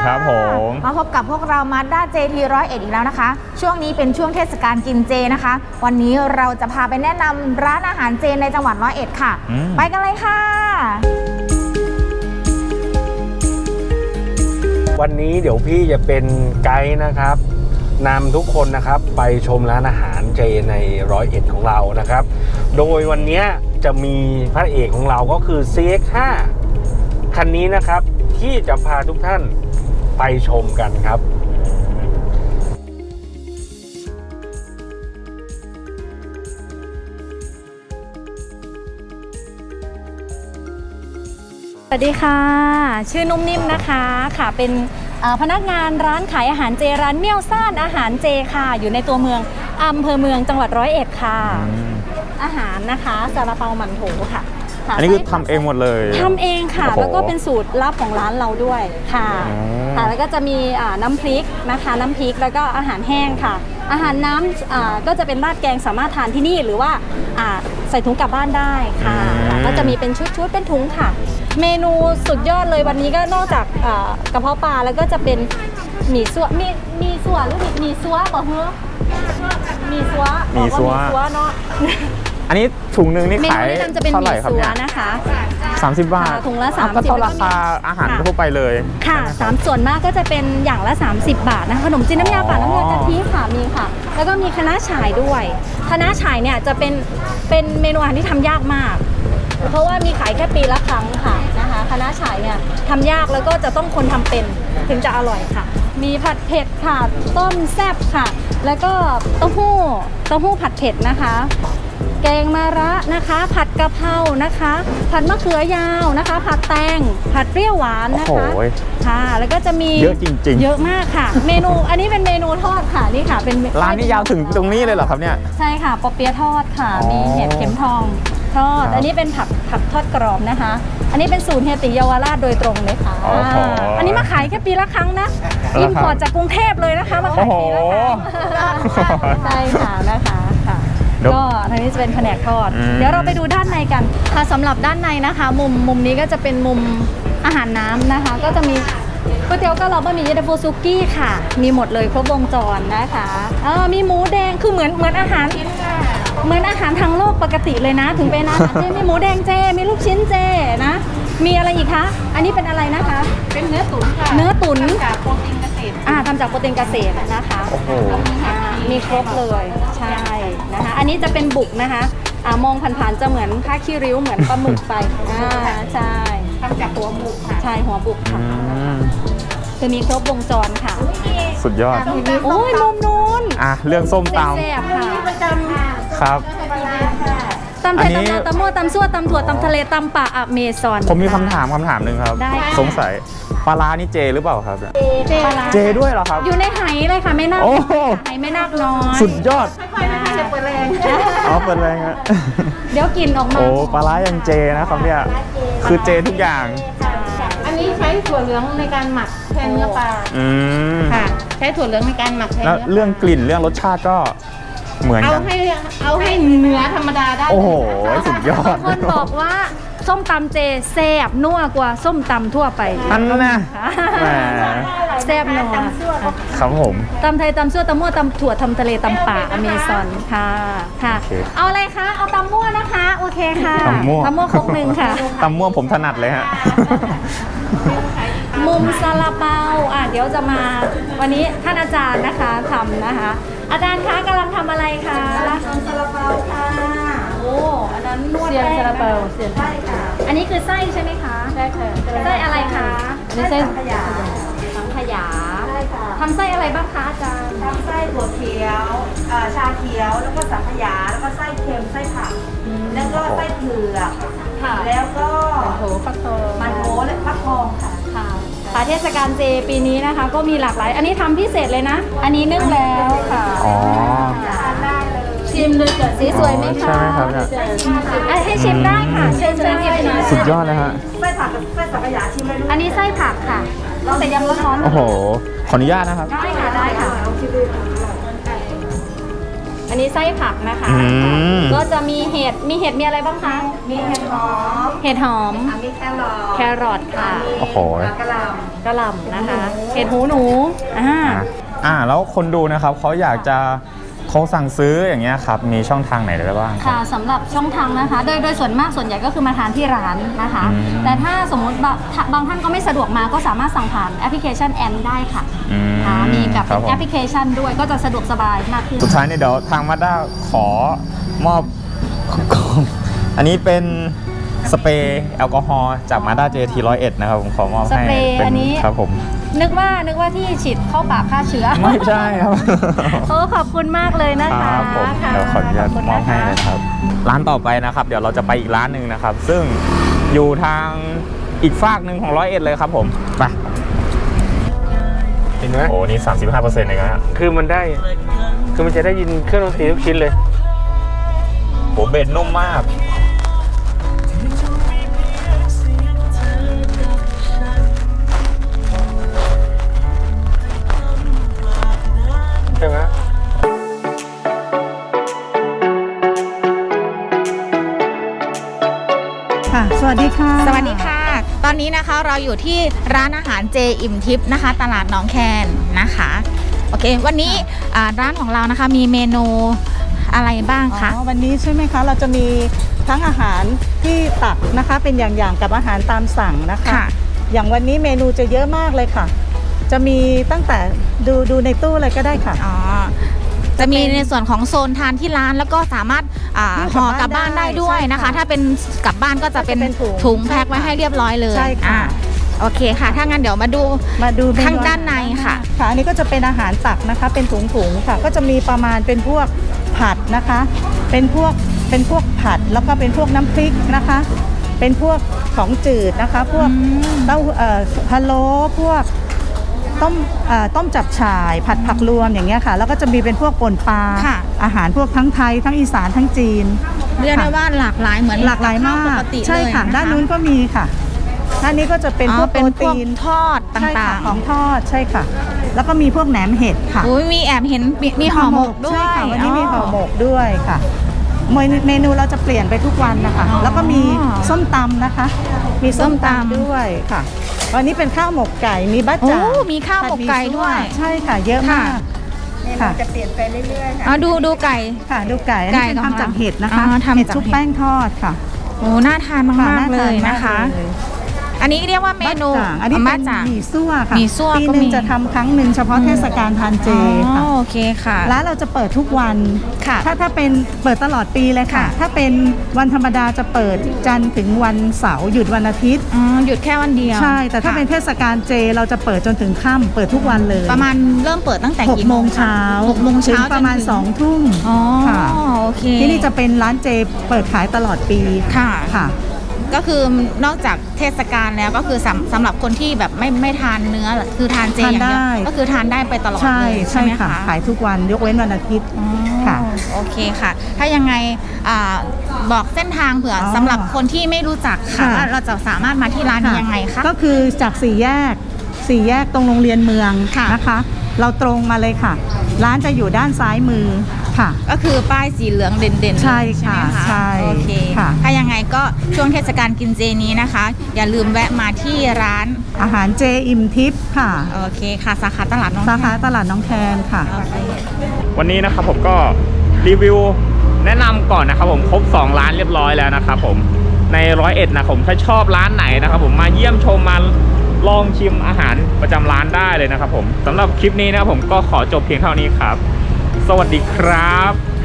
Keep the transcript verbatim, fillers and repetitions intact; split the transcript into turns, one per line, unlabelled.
ครับผม
มาพบกับพวกเรามาด้าเจทีร้อยเอ็ดอีกแล้วนะคะช่วงนี้เป็นช่วงเทศกาลกินเจนะคะวันนี้เราจะพาไปแนะนำร้านอาหารเจในจังหวัดร้อยเอ็ดค่ะไปกันเลยค่ะ
วันนี้เดี๋ยวพี่จะเป็นไกด์นะครับนำทุกคนนะครับไปชมร้านอาหารเจในร้อยเอ็ดของเรานะครับโดยวันนี้จะมีพระเอกของเราก็คือ ซี เอ็กซ์ ห้า คันนี้นะครับที่จะพาทุกท่านไปชมกันครับ
สวัสดีค่ะชื่อนุ่มนิ่มนะคะค่ะเป็นพนักงานร้านขายอาหารเจร้านเมี่ยวซ่านอาหารเจค่ะอยู่ในตัวเมืองอำเภอเมืองจังหวัดร้อยเอ็ดค่ะอาหารนะคะซาลาเปาหมั่นโถค่ะ
อันนี้คือทำเองหมดเลย
ทำเองค่ะแล้วก็เป็นสูตรลับของร้านเราด้วยค่ะค่ะแล้วก็จะมีน้ำพริกนะคะน้ำพริกแล้วก็อาหารแห้งค่ะอาหารน้ำก็จะเป็นราดแกงสามารถทานที่นี่หรือว่าใส่ถุงกลับบ้านได้ค่ะก็จะมีเป็นชุดๆเป็นถุงค่ะเมนูสุดยอดเลยวันนี้ก็นอกจากกระเพาะปลาแล้วก็จะเป็นหมี่ซัวมีมีซัวหรือหมี่ซัวบอกเฮ้อมีซัว
มีซัว
เนาะ
อันนี้ถุงหนึ่งนี่ขายเท่าไหร่ครับเนี่ย
นะคะ
สามสิบบาท
ถุงละสามสิบ
ก็เท่าราคาอาหารทั่วไปเลย
ค่ะสามส่วนมากก็จะเป็นอย่างละสามสิบบาทนะคะขนมจีนน้ำยาป่าน้ำยากะทิค่ะมีค่ะแล้วก็มีคะน้าฉ่ายด้วยคะน้าฉ่ายเนี่ยจะเป็นเป็นเมนูอาหารที่ทำยากมากเพราะว่ามีขายแค่ปีละครั้งค่ะนะคะคะน้าฉ่ายเนี่ยทำยากแล้วก็จะต้องคนทำเป็นถึงจะอร่อยค่ะมีผัดเผ็ดค่ะต้มแซ่บค่ะแล้วก็เต้าหู้เต้าหู้ผัดเผ็ดนะคะแกงมะระนะคะผัดกะเพรานะคะผัดมะเขือยาวนะคะผัดแตงผัดเปรี้ยวหวานนะคะค่ะแล้วก็จะมี
เยอะจริงๆ
เยอะมากค่ะเมนูอันนี้เป็นเมนูทอดค่ะนี่ค่ะเป็น
ร้านนี้ยาวถึงตรงนี้เลยเหรอครับเนี่ย
ใช่ค่ะปอเปี๊ยะทอดค่ะมีเห็ดเข็มทองทอดอันนี้เป็นผักผักทอดกรอบนะคะอันนี้เป็นสูตรเฮียติเยาวราชโดยตรงเลยค่ะอันนี้มาขายแค่ปีละครั้งนะอิมพอร์ตจากกรุงเทพเลยนะคะมาขายปีละครั้งใช่ค่ะนะคะค่ะก็ทางนี้จะเป็นแผนกทอดเดี๋ยวเราไปดูด้านในกันค่ะสำหรับด้านในนะคะมุมมุมนี้ก็จะเป็นมุมอาหารน้ำนะคะก็จะมีก๋วยเตี๋ยวเกาเหลาบะหมี่เย็นตาโฟซุกี้ค่ะมีหมดเลยครบวงจรนะคะเออมีหมูแดงคือเหมือนเหมือนอาหารเหมือนอาหารทางโลกปกติเลยนะถึงเป็นอาหารเจมีหมูแดงเจมีลูกชิ้นเจนะมีอะไรอีกคะอันนี้เป็นอะไรนะคะ
เป็นเนื้อตุ๋นค่ะ
เนื้อตุ๋น
จากโปรตีนเกษตร
อ่าทำจากโปรตีนเกษตรนะคะ
โอ้โห
มีครบเลยใช่นะคะอันนี้จะเป็นบุกนะคะอ่ามองผ่านๆจะเหมือนผ้าขี้ริ้วเหมือนปลาหมึกไปอ่าใช่
ทำจากหัวบุกค่ะ
ใช่หัวบุกค่ะคือมีครบวงจรค่ะ
สุดยอด
โอ้ยมุมนู้น
อ่ะเรื่องส้มตำ
แซ่บค่ะ
ครับ
ตำไทยตำลาวตำมั่วตำซั่วตำถั่วตำทะเลตำป่าอเมซอน
ผมมีคำถามคำถามหนึ่งครับสงสัยปลาร้านี่เจหรือเปล่าครับ
เจปลาร้า
เจด้วยเหรอครับ
อยู่ในไหเลยค่ะไม่น่าไหไม่น่าน้อย
สุดยอด
ค่อยๆนะคะเดี๋ยวเปิดแรง
อ๋อเปิดแรงฮะ
เดี๋ยวกินออกมา
โอ้ปลาร้ายังเจนะครับเนี่ยคือเจทุกอย่าง
อันนี้ใช้ถั่วเหลืองในการหมักแทนเนื้อปลาค่ะใช้ถั่วเหลืองในการหมักแทน
แล้วเรื่องกลิ่นเรื่องรสชาติก็เหมือนกัน
เอาให้เอาให้เนื้อธรรมดาได้
โอ้โหสุดยอด
คนบอกว่าส้มตำเจแซ่บนัวกว่าส้มตำทั่วไป
อันนั้นนะ
แซ่บนัว
ครับผม
ตำไทยตำซั่วตำมั่วตำถั่วตำทะเลตำป่าอเมซอนค่ะค่ะเอาอะไรคะเอาตำมั่วนะคะโอเคค่ะ
ตำมั่ว
ตำมั่วครกหนึ่งค่ะ
ตำมั่วผมถนัดเลยฮะ
มุมซาลาเปาอ่ะเดี๋ยวจะมาวันนี้ท่านอาจารย์นะคะทำนะคะอาจารย์คะกำลังทำอะไรคะทำซาลาเปาค่ะโอ้อันนั้นนวดแป้งซาลาเปาเสียนใช่ค่ะอันนี้คือไส้ใช่ไหมคะ
ใช่ค่ะ
ไส้อะไรคะ
นี่ไส้สังขยา
สังขยา
ใช่ค่ะ
ทำไส้อะไรบ้างคะอาจารย์
ทำไส้ถั่วเขียวชาเขียวแล้วก็สังขยาแล้วก็ไส้เค็มไส้ผักแล้วก็ไส้เผือกแล้วก็มันโถฟักทองมันโถและฟักทองค่ะ
ค่ะเทศกาลเจปีนี้นะคะก็มีหลากหลายอันนี้ทำพิเศษเลยนะอันนี้นึ่งแล้วค่ะ
อ๋อ
ได้เลย
ชิมเลยจ้ะสีสวยไหมคะ
ใช่ครับเนี่ย
ให้ชิมได้ค่ะเชิญเชิญหยิบหน่อย
สุดยอดเลยฮะ
ไส้ผักกับไส้สังขยาชิมเลย
อันนี้ไส้ผักค่ะเราแต่ยังร้อน
โอ้โหขออนุญาตนะครับ
ได้ค่ะได้ค่ะอันนี้ไส้ผักนะคะก็จะมีเห็ดห็ดมีเห็ดมีอะไรบ้างคะ
มีเห็ดหอม
เห็ดหอม
อ่ะมีแครอท
แครอทค่ะ
โอ้โห
มีกระหล่
กระหล่ำนะคะ เห็ดหูหนูอ่า
อ่ะอ่าแล้วคนดูนะครับเขาอยากจะเขาสั่งซื้ออย่างเงี้ยครับมีช่องทางไหนได้บ้างครับ
ค่ะสำหรับช่องทางนะคะ โดยโดยส่วนมากส่วนใหญ่ก็คือมาทานที่ร้านนะคะ
อืม
แต่ถ้าสมมติบางบางท่านก็ไม่สะดวกมาก็สามารถสั่งผ่านแอปพลิเคชันแอมได้ค่ะ
อืม
ค่ะมีแบบ
ครั
เป็
บ
น
ผม
แอปพลิเคชันด้วยก็จะสะดวกสบายมากขึ้น
สุดท้ายเนี่ยเดี๋ยวทางมาด้าขอมอบ อันนี้เป็นสเปรย์แอลกอฮอล์จากมาด้าเจทีร้อยเอ็ดนะครับผมขอมอบให้
สเปรย์
เป็
อันนี้
ครับผม
นึกว่านึกว่าที่ฉีดเข้าปากฆ่าเชื้อ
ไม่ใช่ครับ
โอ้ขอบคุณมากเลยนะ
ค
คะ
รับผม
ค่ะ
เดี๋ยวขออนุญาต
ขบคุณ
มอบ
นะ
ให้
คะ
เลยนะครับ ร้านต่อไปนะครับ เดี๋ยวเราจะไปอีกร้านหนึ่งนะครับ ซึ่งอยู่ทางอีกฝากหนึ่งของร้อยเอ็ดเลยครับผมไป
เห็นไหม
โอ้นี่สามสิบห้าเปอร์เซ็นต์เองนะฮะ
คือมันได้ คือมันจะได้ยินเครื่องดนตรีทุกชิ้นเลย
โอ้เบสนุ่มมาก
ใช่ไหม
ค่ะสวัสดีค่ะ
สวัสดีค่ะ ตอนนี้นะคะเราอยู่ที่ร้านอาหารเจอิ่มทิพย์นะคะ ตลาดหนองแคนนะคะ โอเค วันนี้อ่าร้านของเรานะคะมีเมนูอะไรบ้างคะ
อ๋อวันนี้ใช่ไหมคะ เราจะมีทั้งอาหารที่ตักนะคะ เป็นอย่างๆกับอาหารตามสั่งนะคะ
ค่ะ
อย่างวันนี้เมนูจะเยอะมากเลยค่ะ จะมีตั้งแต่ดูดูในตู้เลยก็ได้ค่ะ
อ๋อ จะมีในส่วนของโซนทานที่ร้านแล้วก็สามารถอ่า
ห่
ห่
อ
อก ก
ลั
ลั
บบ บ้า
บ้าน น
ได้
ได้ด้วยนะคะ
ใช่ค่ะ
ถ้าเป็นกลับบ้านก็จะเป็น
ก็จะเป็นถุง
ถุงแพ็คไว้
ใช่ค่ะ
ให้เรียบร้อยเลย
ใช่ค่ะ
อ่าโอเคค่ะ ถ้างั้นเดี๋ยวมาดู
มาดูเม
ข้างด้านในค่ะ
ค่ะอันนี้ก็จะเป็นอาหารตักนะคะ เป็นถุงๆค่ะ ก็จะมีประมาณเป็นพวกผัดนะคะ เป็นพวกเป็นพวกผัดแล้วก็เป็นพวกน้ำพริกนะคะ เป็นพวกของจืดนะคะ พวกเต้าเอ่อพะโล้พวกต้มเอ่อต้มจับฉ่าย ผัดผักรวมอย่างเงี้ยค่ะ แล้วก็จะมีเป็นพวกป่นปลา
ค่ะ
อาหารพวกทั้งไทยทั้งอีสานทั้งจีน
เรียกได้ว่าหลากหลายเหมือน
หลากหลายมา
บข้วป
ก
กติ
ใช่ค่ะ
เลย
ด้านนู้นก็มีค่ะด้านนี้ก็จะเป็น
อ๋อ
พวก
เป็
โป
น
ร
พวก
ตีน
ทอดต
ใช่ค่ะ
่าง
ของทอดใช่ค่ะ แล้วก็มีพวกแหนมเห็ดค่ะ
ๆอุ้ยมีแอบเห็นมีมีห่อหมกด้วย
ใช่ค่ะวันนี้มีห่อหมกด้วยค่ะเมนูเมนูเราจะเปลี่ยนไปทุกวันนะคะ
อ๋อ
แล้วก็มีส้มตำนะคะ มีส้ม
ส้มตำ
ตำด้วยค่ะ วันนี้เป็นข้าวหมกไก่มีบ้า
โอ้
จ่าง
มีข้าวหมกไก่ด้วย
ใช่ค่ะ เยอะมาก
เมนู
ค่ะ
จะเปลี่ยนไปเรื่อยๆค่ะ
อ๋อดูดูไก่
ค่ะดูไก่อัน
ไก่
นี้เป็น
ของ
ทำจากเห็ดนะคะ
อ๋อทำจาก
เห็ดชุบ
เห็ด
แป้งทอดค่ะ
โอ้น่าทานมาก
ค่ะ
ๆเลยนะคะ
าทาเลย
อันนี้เรียกว่าเมนู
บ้าจ่างอันนี้
อ๋อ
เป็
บ้าน จ่าง
หมี่ซั่วค่ะ
หมี่ซั่ว
ปี
ก็
หนึ่
มี
งจะทำครั้งหนึ่งเฉพาะเทศกาลทานเจ
อ๋
ค่ะ
อโอเคค่ะ
ร้านเราจะเปิดทุกวัน
ค่ะ
ถ้าถ้าเป็นเปิดตลอดปีเลยค่ะ
ค่ะ
ถ้าเป็นวันธรรมดาจะเปิดจันทร์ถึงวันเสาร์หยุดวันอาทิตย์
อ๋อหยุดแค่วันเดียว
ใช่ แต่ถ้า
ค่ะ
เป็นเทศกาลเจเราจะเปิดจนถึงค่ำเปิดทุกวันเลย
ประมาณเริ่มเปิดตั้งแต่
หก
กี่
โม
โม
ง
ง
เช้า
หกโมงเช้า
ถึประมาณ
จนถึง
สองทุ่ม
อ๋อ
ค่ะ
โอเค
ที่นี่จะเป็นร้านเจเปิดขายตลอดปี
ค่ะ
ค่ะ
ก็คือนอกจากเทศกาลแล้วก็คือสำสำหรับคนที่แบบไม่ไม่ทานเนื้อคือทานเจอย่างเดียว
ทานได้
ก็คือทานได้ไปตลอด
ใช่
เลย
ใช่
ไหม
ค่ะ
คะ
ขายทุกวันยกเว้นวันอาทิตย์
อ๋อ
ค่ะ
โอเคค่ะ ถ้ายังไงอ่าบอกเส้นทางเผื่ออ
อ
สำหรับคนที่ไม่รู้จักค่ะ
ค่ะ
ว่าเราจะสามารถมาที่ร้านนี้ยังไงคะ
ก็คือจากสี่แยกสี่แยกตรงโรงเรียนเมือง
ค่ะ
นะคะ เราตรงมาเลยค่ะ ร้านจะอยู่ด้านซ้ายมือค่ะ
ก็คือป้ายสีเหลืองเด่นๆ
ใช่
ไหม
ค่ะ
คะ
ใช่
โอเค
ค่ะ
ถ้ายังไงก็ช่วงเทศกาลกินเจนี้นะคะ อย่าลืมแวะมาที่ร้าน
อาหารเจอิ่มทิพย์ค่ะ
โอเคค่ะ สาขาตลาดน้อง
สาขา
แค
ตลาดน้องแคนค่ะ
โอเค
วันนี้นะครับผมก็รีวิวแนะนำก่อนนะครับผมครบสองร้านเรียบร้อยแล้วนะครับผมในร้อยเอ็ดนะผมถ้าชอบร้านไหนนะครับผมมาเยี่ยมชมมาลองชิมอาหารประจำร้านได้เลยนะครับผมสำหรับคลิปนี้นะครับผมก็ขอจบเพียงเท่านี้ครับ สวัสดีครับ